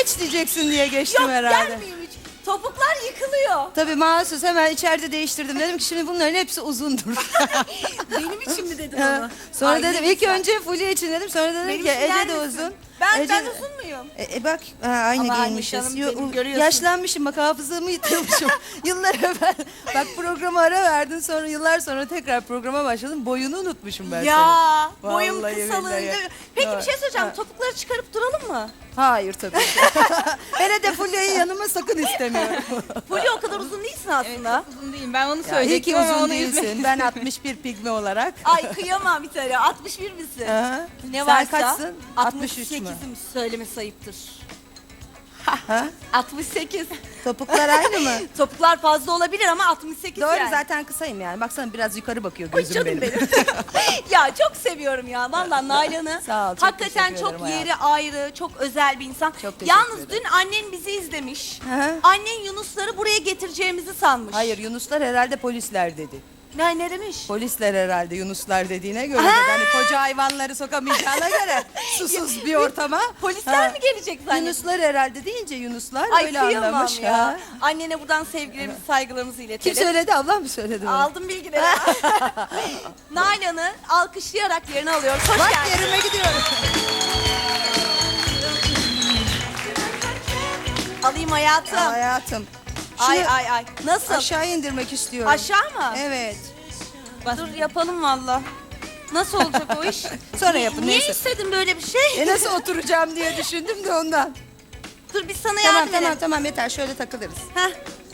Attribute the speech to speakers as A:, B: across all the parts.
A: geç diyeceksin diye geçtim
B: Yok
A: herhalde.
B: gelmeyeyim hiç. Topuklar yıkılıyor.
A: Tabii mahsus hemen içeride değiştirdim. Dedim ki şimdi bunların hepsi uzundur.
B: Benim için mi dedin onu?
A: Sonra
B: Ay,
A: dedim
B: ne
A: ilk
B: güzel.
A: önce Fulya için dedim. Sonra dedim
B: Benim
A: ki
B: için
A: Ece
B: der
A: de
B: misin?
A: uzun.
B: Ben
A: Ece-
B: uzun muyum?
A: Bak aynı
B: Ama anne
A: giyinmişiz.
B: canım benim, görüyorsun.
A: Yaşlanmışım bak hafızamı yitirmişim. Yıllar evvel bak programa ara verdin sonra yıllar sonra tekrar programa başladım. Boyunu unutmuşum ben
B: Ya
A: senin.
B: boyum
A: Vallahi
B: kısalığında.
A: billahi.
B: Peki
A: Evet.
B: bir şey söyleyeceğim.
A: Ha.
B: Topukları çıkarıp duralım mı?
A: Hayır tabii ki. Hele de Fulya'yı yanıma sakın istemiyorum.
B: Fulya o kadar uzun değilsin aslında.
C: Çok uzun değilim. Ben onu
A: Ya, iyi
C: söyleyecektim
A: ki
C: ama
A: uzun
C: onu üzmek
A: değilsin. Ben 61 pigme olarak.
B: Ay kıyamam bir tane. 61 misin?
A: Aha.
B: Ne
A: Sen
B: varsa
A: kaçsın? 63 mü?
B: 68'im söylemesi ayıptır.
A: Ha?
B: 68.
A: Topuklar aynı mı?
B: Topuklar fazla olabilir ama 68
A: Doğru
B: yani.
A: zaten kısayım yani. Baksana biraz yukarı bakıyor
B: Ay
A: gözüm
B: canım
A: benim.
B: Ya çok seviyorum ya. Vallahi Nalan'ı.
A: Sağ ol, çok
B: Hakikaten
A: teşekkür ederim
B: çok yeri ayrı, çok özel bir insan.
A: Çok teşekkür
B: Yalnız
A: ederim.
B: dün annen bizi izlemiş.
A: Hı.
B: Annen Yunusları buraya getireceğimizi sanmış.
A: Hayır Yunuslar herhalde polisler dedi.
B: Ne demiş?
A: Polisler herhalde Yunuslar dediğine göre
B: Ha!
A: dedi. Hani koca hayvanları sokamayacağına göre susuz bir ortama.
B: Polisler
A: Ha.
B: mi gelecek zannediyorsun?
A: Yunuslar herhalde deyince Yunuslar
B: Ay
A: öyle
B: kıyamam
A: anlamış.
B: ya.
A: Ha.
B: Annene buradan sevgilerimizi, saygılarımızı
A: Kim
B: iletelim.
A: söyledi? Ablam mı söyledi? onu?
B: Aldım bilgileri. Nalan'ı alkışlayarak yerine alıyoruz. Hoş
A: Bak
B: geldin.
A: yerime gidiyorum.
B: Alayım hayatım.
A: Hayatım.
B: Ay
A: Şunu
B: ay ay. Nasıl?
A: aşağı indirmek istiyorum.
B: Aşağı mı?
A: Evet.
B: Dur yapalım valla. Nasıl olacak o iş?
A: Sonra yapın,
B: Niye
A: neyse.
B: istedin böyle bir şey?
A: Nasıl oturacağım diye düşündüm de ondan.
B: Dur biz sana
A: Tamam
B: yardım
A: tamam
B: edelim.
A: tamam yeter şöyle takılırız.
B: Heh.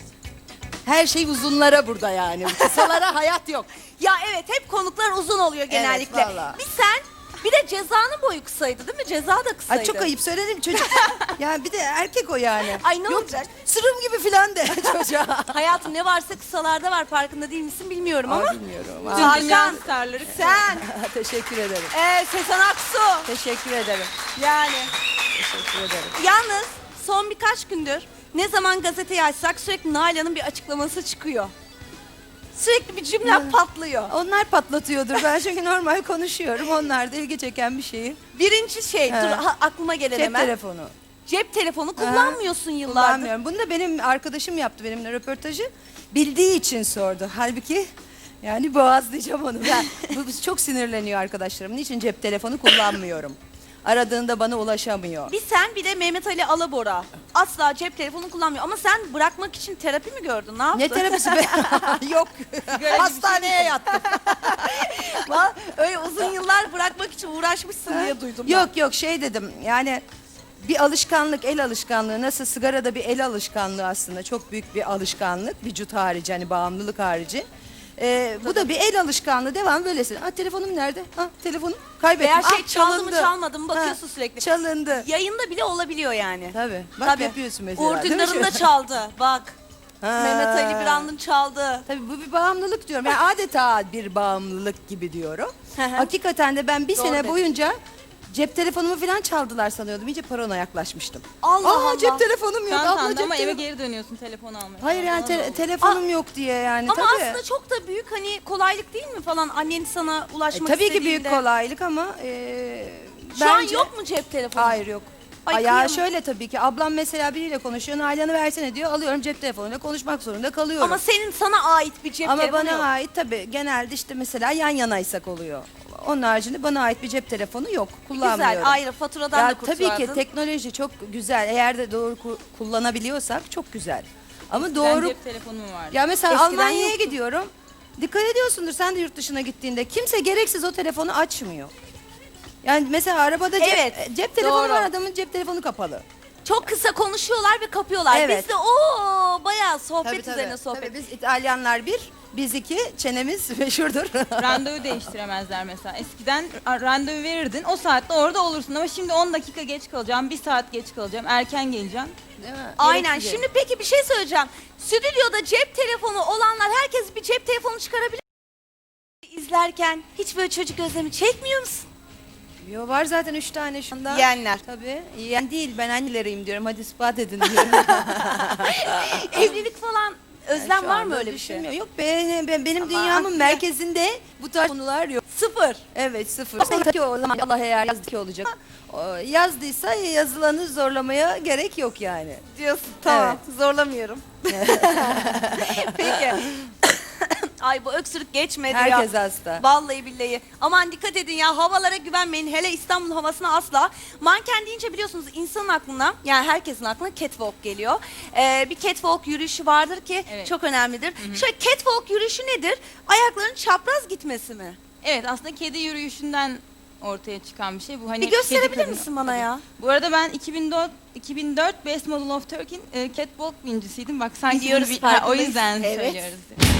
A: Her şey uzunlara burada yani. Kısalara hayat yok.
B: Ya evet hep konuklar uzun oluyor genellikle.
A: valla.
B: Bir sen bir de Ceza'nın boyu kısaydı değil mi? Ceza da kısaydı.
A: Ay çok ayıp söyledim çocuk. Ya bir de erkek o yani.
B: Ay ne
A: Yok,
B: olacak?
A: sırım gibi filan de çocuğa.
B: Hayatım ne varsa kısalarda var farkında değil misin bilmiyorum ama.
A: Bilmiyorum.
C: Tüm
B: Hakan,
C: dünya starları.
B: Sen,
A: Teşekkür ederim.
B: Sezen Aksu.
A: Teşekkür ederim.
B: Yani.
A: Teşekkür ederim.
B: Yalnız son birkaç gündür ne zaman gazeteyi açsak sürekli Nalan'ın bir açıklaması çıkıyor. Sürekli bir cümle patlıyor.
A: Onlar patlatıyordur. Ben çünkü normal konuşuyorum. Onlar da ilgi çeken bir şeyi.
B: Birinci şey,
A: Ha.
B: dur aklıma gelen
A: Cep
B: hemen.
A: telefonu.
B: Cep telefonu kullanmıyorsun yıllardır.
A: Kullanmıyorum. Bunu da benim arkadaşım yaptı benimle röportajı. Bildiği için sordu. Halbuki yani boğazlayacağım onu. Bu çok sinirleniyor arkadaşlarım. Niçin cep telefonu kullanmıyorum? Aradığında bana ulaşamıyor.
B: Bir sen bir de Mehmet Ali Alabora. Asla cep telefonu kullanmıyor. Ama sen bırakmak için terapi mi gördün? Ne yaptın?
A: Ne terapisi be? Yok. Hastaneye yattım.
B: Vallahi öyle uzun yıllar bırakmak için uğraşmışsın diye duydum ben.
A: Yok yok şey dedim yani bir alışkanlık el alışkanlığı nasıl sigarada bir el alışkanlığı aslında çok büyük bir alışkanlık vücut harici hani bağımlılık harici. Bu da bir el alışkanlığı devam böylesin. Ha telefonum nerede? Ha telefonum kaybettim.
B: Veya şey
A: Ah,
B: çaldı mı çalmadı mı bakıyorsun
A: Ha,
B: sürekli.
A: Çalındı.
B: Yayında bile olabiliyor yani.
A: Tabii. Bak
B: Tabii.
A: yapıyorsun mesela.
B: Uğur
A: değil mi?
B: Dündar'ın da çaldı. Bak.
A: Ha.
B: Mehmet Ali Birand'ın çaldı.
A: Tabii bu bir bağımlılık diyorum. Yani adeta bir bağımlılık gibi diyorum. Hakikaten de ben bir
B: Doğru
A: sene
B: dedin.
A: boyunca cep telefonumu falan çaldılar sanıyordum. İyice parona yaklaşmıştım.
B: Allah Allah.
A: Cep telefonum yok. Abla
C: Çantanda
A: cep
C: ama eve
A: telefonu.
C: geri dönüyorsun telefonu almaya.
A: Hayır yani
C: Bana da oldu.
A: telefonum yok diye yani
B: Ama
A: tabii.
B: aslında çok da büyük hani kolaylık değil mi falan annen sana ulaşmak
A: Tabii ki
B: istediğinde.
A: büyük kolaylık ama
B: Şu an
A: bence-
B: yok mu cep telefonu?
A: Hayır yok.
B: Ay,
A: Ya
B: kıyamam.
A: şöyle tabii ki ablam mesela biriyle konuşuyor. Nalan'ı versene diyor. Alıyorum cep telefonuyla konuşmak zorunda kalıyorum.
B: Ama senin sana ait bir cep
A: Ama
B: telefonu
A: bana
B: yok.
A: ait tabii genelde işte mesela yan yanaysak oluyor. Onun haricinde bana ait bir cep telefonu yok. Kullanmıyorum.
B: Güzel ayrı faturadan
A: Ya
B: da
A: tabii
B: kurtulardın.
A: ki teknoloji çok güzel. Eğer de doğru kullanabiliyorsak çok güzel. Ama
C: Ben
A: doğru
C: cep telefonum vardı.
A: ya mesela
B: Eskiden
A: Almanya'ya
B: yoktu.
A: gidiyorum. Dikkat ediyorsundur sen de yurt dışına gittiğinde kimse gereksiz o telefonu açmıyor. Yani mesela arabada
B: Evet,
A: cep telefonu
B: doğru.
A: var adamın cep telefonu kapalı.
B: Çok kısa konuşuyorlar ve kapıyorlar.
A: Evet.
B: Biz de bayağı sohbet üzerine sohbet.
A: Tabii biz İtalyanlar bir, biz iki, çenemiz meşhurdur.
C: Randevu değiştiremezler mesela. Eskiden randevu verirdin, o saatte orada olursun ama şimdi 10 dakika geç kalacağım, 1 saat geç kalacağım, erken geleceğim.
A: Değil mi?
B: Aynen.
A: Gereksiz.
B: Şimdi peki bir şey söyleyeceğim. Stüdyoda cep telefonu olanlar herkes bir cep telefonu çıkarabilir. İzlerken hiç böyle çocuk özlemi çekmiyor musun?
A: Yo, var zaten 3 tane şu anda.
B: Yeğenler.
A: Tabii. Yeğen değil ben anneleriyim diyorum. Hadi ispat edin diyorum.
B: Evlilik falan Özlem
A: Şu
B: var mı
A: anda
B: öyle bir şey?
A: düşünmüyorum. Yok benim
B: Ama
A: dünyamın
B: aslında-
A: merkezinde bu tarz konular yok.
B: Sıfır.
A: Evet sıfır. Ki o zaman Allah eğer yazdı ki olacak. Yazdıysa yazılanı zorlamaya gerek yok yani.
B: Diyorsun. Tamam. Zorlamıyorum. Peki. Ay bu öksürük geçmedi ya.
A: Herkes hasta.
B: Vallahi billahi. Aman dikkat edin ya, havalara güvenmeyin. Hele İstanbul havasına asla. Manken deyince biliyorsunuz insanın aklına, yani herkesin aklına catwalk geliyor. Bir catwalk yürüyüşü vardır ki
C: Evet.
B: çok önemlidir. Şöyle catwalk yürüyüşü nedir? Ayakların çapraz gitmesi mi?
C: Evet, aslında kedi yürüyüşünden ortaya çıkan bir şey. Bu hani
B: Bir gösterebilir
C: kedi kadın-
B: misin bana ya?
C: Bu arada ben 2004 Best Model of Turkey'in catwalk birincisiydim. Bak sanki
B: Biliyoruz,
C: bunu o
B: farkındayız.
C: yüzden
B: Evet.
C: söylüyoruz.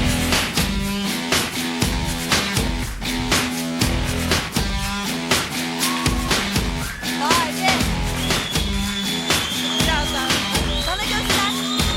B: Vay be. Birazdan. Bana göster.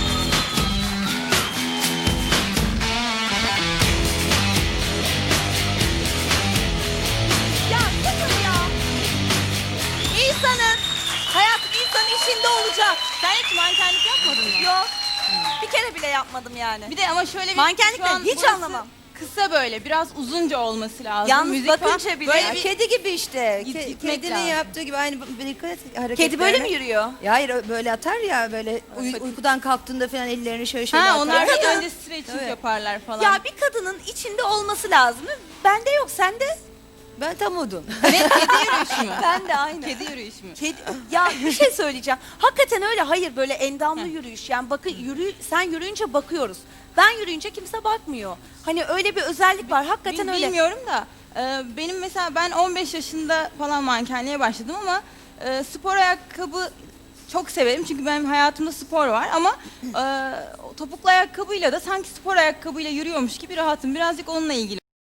B: Ya sıfır ya. İnsanın, hayatım insanın işinde olacak.
C: Sen hiç mankenlik yapmadın mı?
B: Yok. Bir kere bile yapmadım yani.
C: Bir de ama şöyle bir
B: Mankenlikten
C: şu an
B: hiç
C: burası
B: anlamam.
C: Kısa böyle biraz uzunca olması lazım.
B: Yalnız
C: Müzik
B: bakınca
C: falan.
B: bile-
C: böyle
A: Ya
C: bir
A: kedi gibi işte.
C: Gitmek
A: Kedinin
C: lazım.
A: yaptığı gibi aynı dikkat et hareketlerine.
B: Kedi böyle mi yürüyor?
A: Ya hayır böyle atar ya böyle uykudan kalktığında falan ellerini şöyle şöyle
C: Ha,
A: atar.
C: onlar
A: ya.
C: da önce stretching
A: Evet.
C: yaparlar falan.
B: Ya bir kadının içinde olması lazım. Bende yok, sende?
A: Ben tam odun.
C: Ne, kedi yürüyüşü mü?
B: Ben de aynı.
C: Kedi yürüyüşü mü?
B: Ya bir şey söyleyeceğim. Hakikaten öyle. Hayır, böyle endamlı yürüyüş. Yani bakın sen yürüyünce bakıyoruz. Ben yürüyünce kimse bakmıyor. Hani öyle bir özellik var. Hakikaten öyle.
C: Bilmiyorum da benim mesela ben 15 yaşında falan mankenliğe başladım ama spor ayakkabı çok severim çünkü benim hayatımda spor var ama o topuklu ayakkabıyla da sanki spor ayakkabıyla yürüyormuş gibi rahatım. Birazcık onunla ilgili.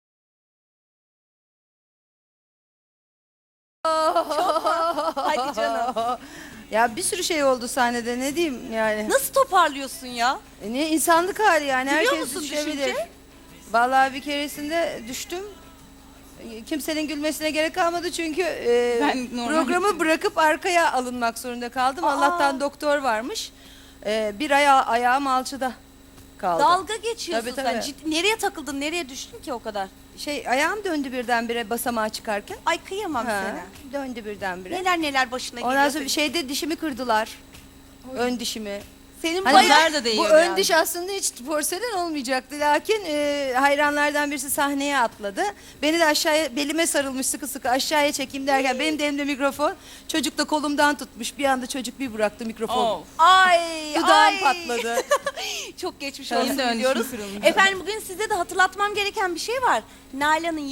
B: Hadi canım.
A: Ya bir sürü şey oldu sahnede ne diyeyim yani.
B: Nasıl toparlıyorsun ya?
A: Ne insanlık hali yani
B: Biliyor
A: herkes
B: musun
A: düşebilir.
B: düşünce?
A: Vallahi bir keresinde düştüm. Kimsenin gülmesine gerek kalmadı çünkü
C: Ben normal-
A: programı bırakıp arkaya alınmak zorunda kaldım.
B: Aa.
A: Allah'tan doktor varmış. Bir ayağım alçıda kaldı.
B: Dalga geçiyorsun
A: Tabii,
B: sen.
A: tabii.
B: Nereye takıldın? Nereye düştün ki o kadar?
A: Ayağım döndü birdenbire basamağa çıkarken.
B: Ay kıyamam
A: Ha,
B: sana.
A: döndü birdenbire.
B: Neler neler başına
A: Ondan
B: geliyor.
A: sonra bir şeyde dişimi kırdılar. Ön dişimi.
B: Senin
A: Hani
B: bayağı...
C: Nazar da değiyor
A: bu ön
C: biraz.
A: diş aslında hiç porselen olmayacaktı. Lakin hayranlardan birisi sahneye atladı. Beni de aşağıya belime sarılmış sıkı sıkı aşağıya çekeyim derken benim de elimde mikrofon. Çocuk da kolumdan tutmuş. Bir anda çocuk bir bıraktı mikrofonu.
C: Of.
B: Ay
A: Dudağım
B: ay.
A: patladı.
B: Çok geçmiş
C: Benim
B: olsun
C: de ön
B: diyoruz.
C: dişim kırılmış.
B: Efendim bugün size de hatırlatmam gereken bir şey var. Nalan'ın